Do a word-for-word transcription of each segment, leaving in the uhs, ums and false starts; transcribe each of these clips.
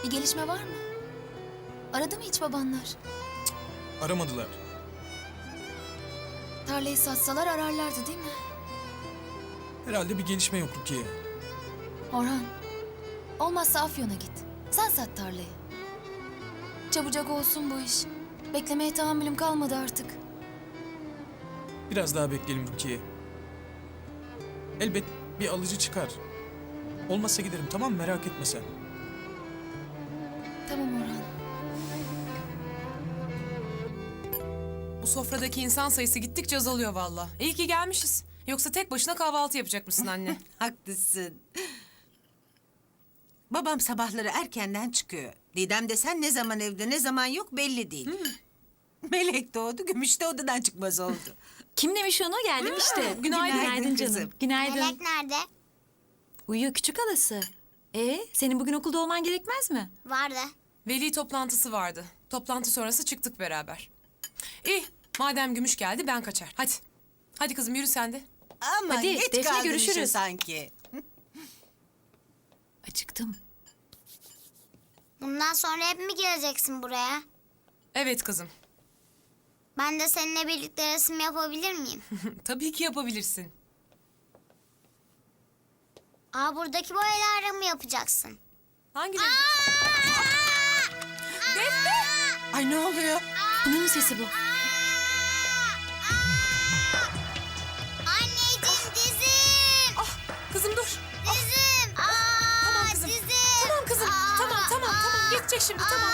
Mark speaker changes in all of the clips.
Speaker 1: Bir gelişme var mı? Aradı mı hiç babanlar?
Speaker 2: Aramadılar.
Speaker 1: Tarlayı satsalar ararlardı değil mi?
Speaker 2: Herhalde bir gelişme yok Rukiye.
Speaker 1: Orhan, olmazsa Afyon'a git. Sen sat tarlayı. Çabucak olsun bu iş. Beklemeye tahammülüm kalmadı artık.
Speaker 2: Biraz daha bekleyelim Rukiye. Elbet bir alıcı çıkar. Olmazsa giderim, tamam mı? Merak etme sen.
Speaker 1: Tamam Orhan.
Speaker 3: Bu sofradaki insan sayısı gittikçe azalıyor valla. İyi ki gelmişiz. Yoksa tek başına kahvaltı yapacak mısın anne?
Speaker 4: Haklısın. Babam sabahları erkenden çıkıyor. Didem desen ne zaman evde ne zaman yok belli değil. Melek doğdu, Gümüş de odadan çıkmaz oldu.
Speaker 5: Kim demiş onu? Geldim işte.
Speaker 4: Günaydın
Speaker 5: Günaydın
Speaker 4: kızım.
Speaker 5: canım. Günaydın.
Speaker 6: Melek nerede?
Speaker 5: Uyuyor küçük halası. Ee, senin bugün okulda olman gerekmez mi?
Speaker 6: Vardı.
Speaker 3: Veli toplantısı vardı. Toplantı sonrası çıktık beraber. İyi, madem Gümüş geldi ben kaçar. Hadi. Hadi kızım yürü sen de.
Speaker 4: Ama
Speaker 5: Hadi,
Speaker 4: geç
Speaker 5: Defne,
Speaker 4: kaldın işe
Speaker 5: görüşürüz.
Speaker 4: sanki.
Speaker 5: Acıktım.
Speaker 6: Bundan sonra hep mi geleceksin buraya?
Speaker 3: Evet kızım.
Speaker 6: Ben de seninle birlikte resim yapabilir miyim?
Speaker 3: Tabii ki yapabilirsin.
Speaker 6: Aa, buradaki boyalarla mı yapacaksın?
Speaker 3: Hangi renk? Defne!
Speaker 4: Ay ne oluyor?
Speaker 5: Bunun sesi bu.
Speaker 6: Anneciğim dizim!
Speaker 3: Ah kızım dur.
Speaker 6: Dizim! Aa,
Speaker 3: Tamam kızım.
Speaker 6: dizim!
Speaker 3: Tamam kızım.
Speaker 6: Aa,
Speaker 3: Tamam tamam
Speaker 6: aa,
Speaker 3: tamam. Geçecek şimdi tamam.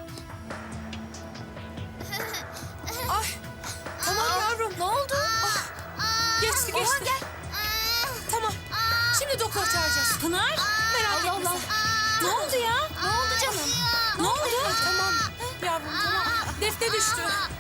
Speaker 3: Ay. Tamam yavrum. Ne oldu? Ah. Geçti geçti. Tamam. Şimdi doktor çağıracağız.
Speaker 5: Pınar.
Speaker 3: Merak etme
Speaker 5: Allah.
Speaker 3: sen.
Speaker 5: Ne oldu ya?
Speaker 6: Ne oldu canım?
Speaker 5: Ne oldu?
Speaker 3: Ay, tamam. Yavrum tamam. Defne düştü.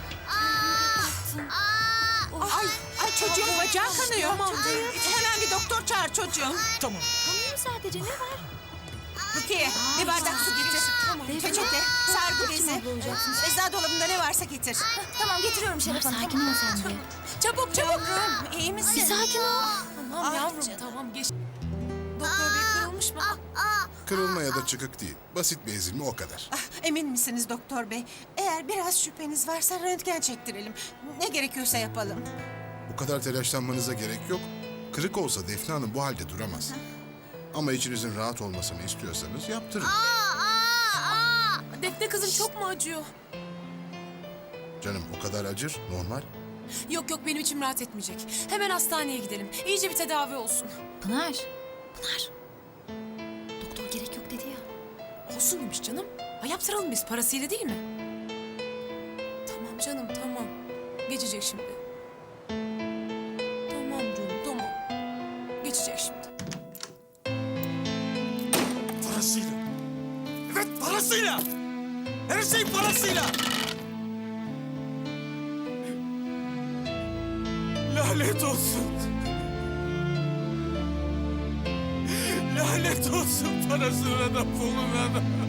Speaker 4: Ay, ay çocuğun bacağı kanıyor.
Speaker 3: Tamam.
Speaker 4: Hemen bir doktor çağır çocuğum.
Speaker 2: Tamam.
Speaker 5: Kanıyor sadece, ne var?
Speaker 4: Rukiye bir bardak su getir.
Speaker 3: Tamam.
Speaker 4: Peçete, sargı bezi.
Speaker 5: abla olacaksınız?
Speaker 4: Eczacı dolabında ne varsa getir.
Speaker 1: Tamam getiriyorum
Speaker 5: Pınar
Speaker 1: Şeref Hanım.
Speaker 5: sakin ol sen de.
Speaker 3: Çabuk çabuk.
Speaker 4: Yavrum iyi misin?
Speaker 5: Bir sakin ol.
Speaker 3: Tamam
Speaker 4: Ay
Speaker 3: yavrum
Speaker 4: canım.
Speaker 3: tamam geç. Doktor bey kırılmış mı?
Speaker 7: Kırılma ya da çıkık değil. Basit bir ezilme o kadar.
Speaker 4: Ah, emin misiniz doktor bey? Eğer biraz şüpheniz varsa röntgen çektirelim. Ne gerekiyorsa yapalım.
Speaker 7: Bu kadar telaşlanmanıza gerek yok. Kırık olsa Defne Hanım bu halde duramaz. Ama içinizin rahat olmasını istiyorsanız yaptırın.
Speaker 3: Defne kızım çok mu acıyor?
Speaker 7: Canım o kadar acır, normal.
Speaker 3: Yok yok benim içim rahat etmeyecek. Hemen hastaneye gidelim. İyice bir tedavi olsun.
Speaker 5: Pınar. Pınar. Doktor gerek yok dedi ya.
Speaker 3: Olsun demiş canım. Ha, yaptıralım biz parasıyla değil mi? Tamam canım tamam. Geçecek şimdi. Tamam canım tamam. Geçecek şimdi.
Speaker 2: Parasıyla. Evet parasıyla. Her şey parasıyla. Lanet olsun. Lanet olsun parasına da puluna da.